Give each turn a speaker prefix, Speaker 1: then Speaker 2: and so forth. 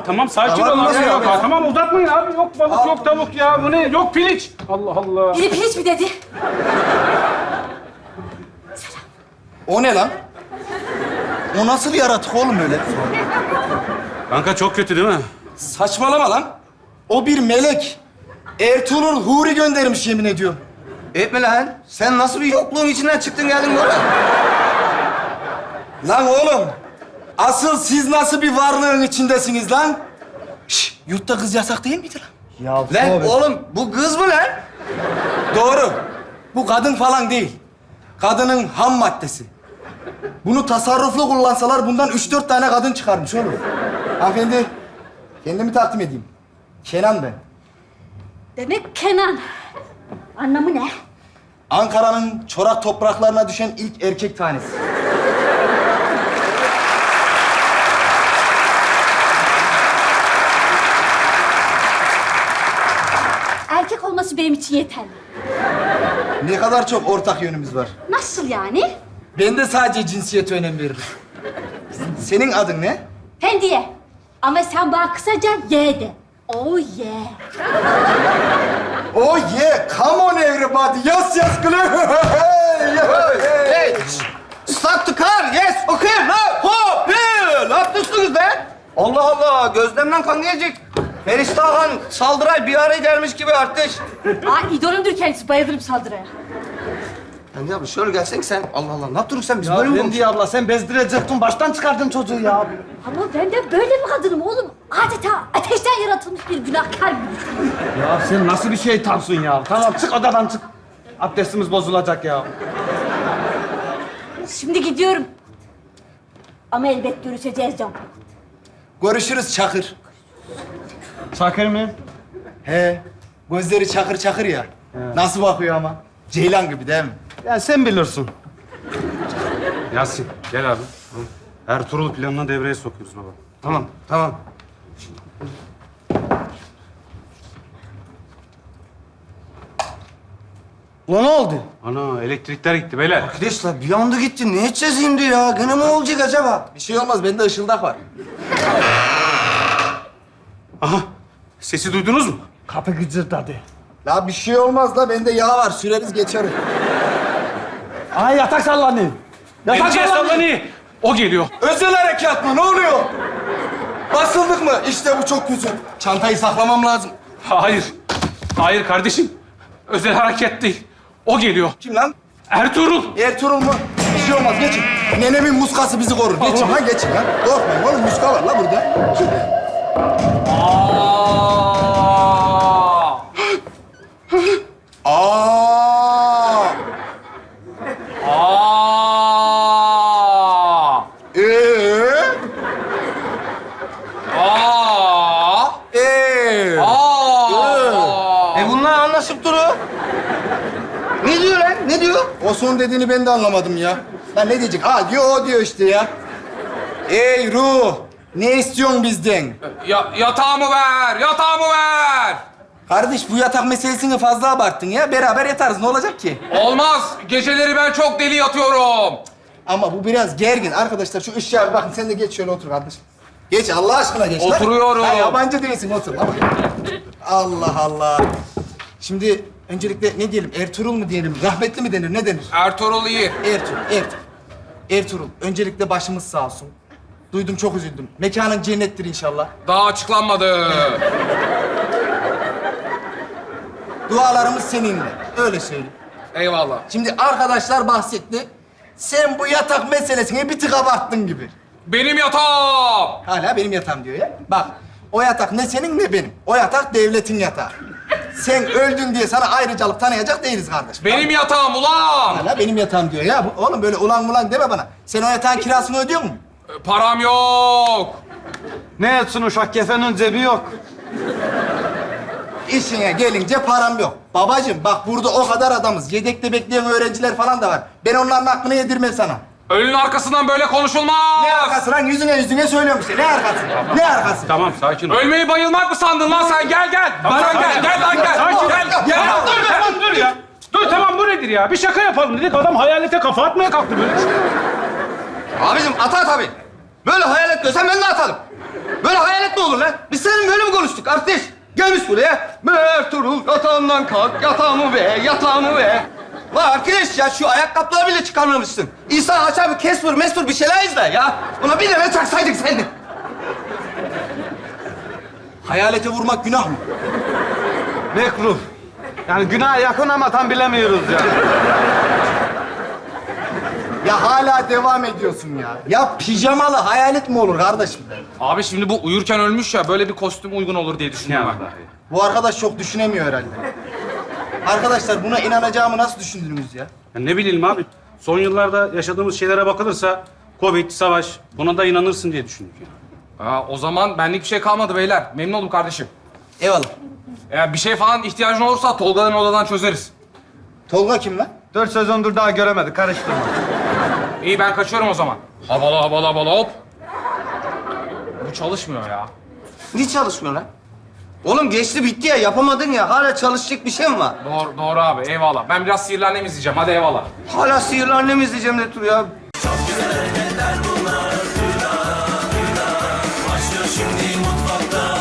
Speaker 1: tamam sakin
Speaker 2: Tamam,
Speaker 1: ol
Speaker 2: nasıl
Speaker 1: abi.
Speaker 2: yok ya?
Speaker 1: Tamam uzatmayın abi. Yok balık, yok tavuk ya. Bu ne? Yok piliç. Allah Allah.
Speaker 3: Biri piliç mi dedi?
Speaker 2: O ne lan? O nasıl bir yaratık oğlum öyle?
Speaker 1: Kanka çok kötü değil mi?
Speaker 2: Saçmalama lan. O bir melek. Ertuğrul Huri göndermiş yemin ediyorum.
Speaker 4: Etme lan. Sen nasıl bir yokluğun içinden çıktın geldin buraya?
Speaker 2: Lan oğlum. Asıl siz nasıl bir varlığın içindesiniz lan? Şşş, yurtta kız yasak değil miydi lan?
Speaker 4: Lan oğlum bu kız mı lan?
Speaker 2: Doğru. Bu kadın falan değil. Kadının ham maddesi. Bunu tasarruflu kullansalar bundan 3-4 tane kadın çıkarmış oğlum. Hanımefendi, kendimi takdim edeyim. Kenan ben.
Speaker 3: Demek Kenan. Anlamı ne?
Speaker 2: Ankara'nın çorak topraklarına düşen ilk erkek tanesi.
Speaker 3: Erkek olması benim için yeterli.
Speaker 2: Ne kadar çok ortak yönümüz var.
Speaker 3: Nasıl yani?
Speaker 2: Ben de sadece cinsiyete önem veririm. Senin adın ne?
Speaker 3: Fendiye. Ama sen bana kısaca ye de. Oh yeah.
Speaker 2: Oh yeah, come on everybody. Yes, yes, Glenn.
Speaker 4: Hey! Stop the car! Yes! Okay! Now! Hop! Ne yapıyorsunuz be? Allah Allah! Gözlemden kan gelecek. Ferişte Ağan saldıray bir araya gelmiş gibi artış.
Speaker 3: Aa, idolümdür kendisi. Bayılırım saldırıya.
Speaker 4: Yani ya şöyle gelsen sen. Allah Allah. Ne yaptın sen? Biz böyle mi konuşuyoruz?
Speaker 2: abla sen bezdirecektin. Baştan çıkardın çocuğu ya.
Speaker 3: Ama ben de böyle bir kadınım oğlum. Adeta ateşten yaratılmış bir günahkar gibi.
Speaker 5: Ya sen nasıl bir şeytansın ya? Tamam çık odadan çık. Abdestimiz bozulacak ya.
Speaker 3: Şimdi gidiyorum. Ama elbet görüşeceğiz Can.
Speaker 2: Görüşürüz Çakır.
Speaker 5: Çakır mı?
Speaker 2: He, gözleri çakır çakır ya. Nasıl bakıyor ama? Ceylan gibi değil mi?
Speaker 5: Ya sen bilirsin.
Speaker 1: Yasin gel abi. Ertuğrul planına devreye sokuyoruz baba.
Speaker 4: Tamam, tamam.
Speaker 2: Ulan ne oldu?
Speaker 1: Ana elektrikler gitti beyler.
Speaker 4: Arkadaşlar bir anda gitti. Ne edeceğiz şimdi ya? Gene mi olacak acaba?
Speaker 2: Bir şey olmaz, bende ışıldak var.
Speaker 1: Aha sesi duydunuz mu?
Speaker 5: Kapı gıcırdadı.
Speaker 2: La bir şey olmaz la, bende yağ var. Süreriz geçer.
Speaker 5: Ay yatak sallanıyor. Yatak
Speaker 1: Geleceğiz
Speaker 5: sallanıyor.
Speaker 1: sallanıyor. O geliyor.
Speaker 2: Özel harekat mı? Ne oluyor? Basıldık mı? İşte bu çok kötü. Çantayı saklamam lazım.
Speaker 1: Hayır. Hayır kardeşim. Özel hareket değil. O geliyor.
Speaker 2: Kim lan?
Speaker 1: Ertuğrul.
Speaker 2: Ertuğrul mu? Bir şey olmaz, geçin. Nenemin muskası bizi korur. Geçin lan, geçin lan. Korkmayın oğlum, muska var la burada. Aa!
Speaker 4: Bunlar anlaşıp duruyor. Ne diyor lan? Ne diyor?
Speaker 2: O son dediğini ben de anlamadım ya. Lan ne diyecek? Aa diyor, o diyor işte ya. Ey ruh, ne istiyorsun bizden?
Speaker 6: Yatağımı ver! Yatağımı ver!
Speaker 2: Kardeş bu yatak meselesini fazla abarttın ya. Beraber yatarız, ne olacak ki?
Speaker 6: Olmaz! Geceleri ben çok deli yatıyorum.
Speaker 2: Ama bu biraz gergin. Arkadaşlar şu ışığa bir bakın, sen de geç şöyle otur kardeşim. Geç, Allah aşkına geç lan.
Speaker 6: Oturuyorum.
Speaker 2: Ha, yabancı değilsin, otur. Lan. Allah Allah. Şimdi öncelikle ne diyelim? Ertuğrul mu diyelim? Rahmetli mi denir? Ne denir?
Speaker 6: Ertuğrul iyi.
Speaker 2: Ertuğrul. Öncelikle başımız sağ olsun. Duydum, çok üzüldüm. Mekanın cennettir inşallah.
Speaker 6: Daha açıklanmadı.
Speaker 2: Dualarımız seninle. Öyle söyleyeyim.
Speaker 6: Eyvallah.
Speaker 2: Şimdi arkadaşlar bahsetti. Sen bu yatak meselesine bir tık abarttın gibi.
Speaker 6: Benim yatağım!
Speaker 2: Hala benim yatağım diyor ya. Bak, o yatak ne senin ne benim. O yatak devletin yatağı. Sen öldün diye sana ayrıcalık tanıyacak değiliz kardeşim.
Speaker 6: Benim yatağım ulan!
Speaker 2: Hala benim yatağım diyor ya. Oğlum böyle ulan ulan deme bana. Sen o yatağın kirasını ödüyor musun?
Speaker 6: Param yok.
Speaker 5: Ne etsin uşak kefenin cebi yok.
Speaker 2: İşine gelince param yok. Babacığım bak burada o kadar adamız. Yedekte bekleyen öğrenciler falan da var. Ben onların hakkını yedirmem sana.
Speaker 6: Ölünün arkasından böyle konuşulmaz.
Speaker 2: Ne arkası lan? Yüzüne söylüyorum işte. Ne arkası? Ne arkası?
Speaker 1: Tamam sakin ol.
Speaker 6: Ölmeyi bayılmak mı sandın lan sen? Gel gel. Bana gel. Gel lan gel.
Speaker 1: Sakin.
Speaker 6: Gel.
Speaker 1: Tamam dur tamam dur ya. Dur tamam bu nedir ya? Bir şaka yapalım dedik. Adam hayalete kafa atmaya kalktı böyle.
Speaker 4: Abicim atar tabii. Böyle hayal etmiyorsan ben de atarım. Böyle hayalet mi olur lan? Biz seninle böyle mi konuştuk artist? Gelmiş buraya. Ertuğrul yatağından kalk, yatağımı ver, yatağımı ver. Lan arkadaş ya şu ayakkabıları bile çıkarmamışsın. İnsan açar bir Casper bir şeyler izler ya. Buna bir tane çaksaydık seni.
Speaker 2: Hayalete vurmak günah mı?
Speaker 5: Mekruh. Yani günaha yakın ama tam bilemiyoruz ya.
Speaker 2: Ya hala devam ediyorsun ya. Ya pijamalı hayalet mi olur kardeşim?
Speaker 6: Abi şimdi bu uyurken ölmüş ya, böyle bir kostüm uygun olur diye
Speaker 1: Ne
Speaker 6: düşünüyorum ben.
Speaker 1: vallahi.
Speaker 2: Bu arkadaş çok düşünemiyor herhalde. Arkadaşlar buna inanacağımı nasıl düşündünüz ya?
Speaker 1: Ya ne bileyim abi. Son yıllarda yaşadığımız şeylere bakılırsa Covid, savaş, buna da inanırsın diye düşündük ya.
Speaker 6: O zaman benlik bir şey kalmadı beyler. Memnun oldum kardeşim.
Speaker 2: Eyvallah.
Speaker 6: Eğer bir şey falan ihtiyacın olursa Tolga'nın odadan çözeriz.
Speaker 2: Tolga kim lan?
Speaker 5: 4 sezondur daha göremedik. Karıştırma.
Speaker 6: İyi, ben kaçıyorum o zaman. Havalı hop. Bu çalışmıyor ya.
Speaker 4: Niye çalışmıyor lan? Oğlum geçti bitti ya, yapamadın ya. Hala çalışacak bir şey mi var?
Speaker 6: Doğru abi, eyvallah. Ben biraz Sihirli Annem izleyeceğim. Hadi eyvallah.
Speaker 4: Hala sihirli annemi izleyeceğim de dur ya.
Speaker 7: Başlıyor şimdi mutfakta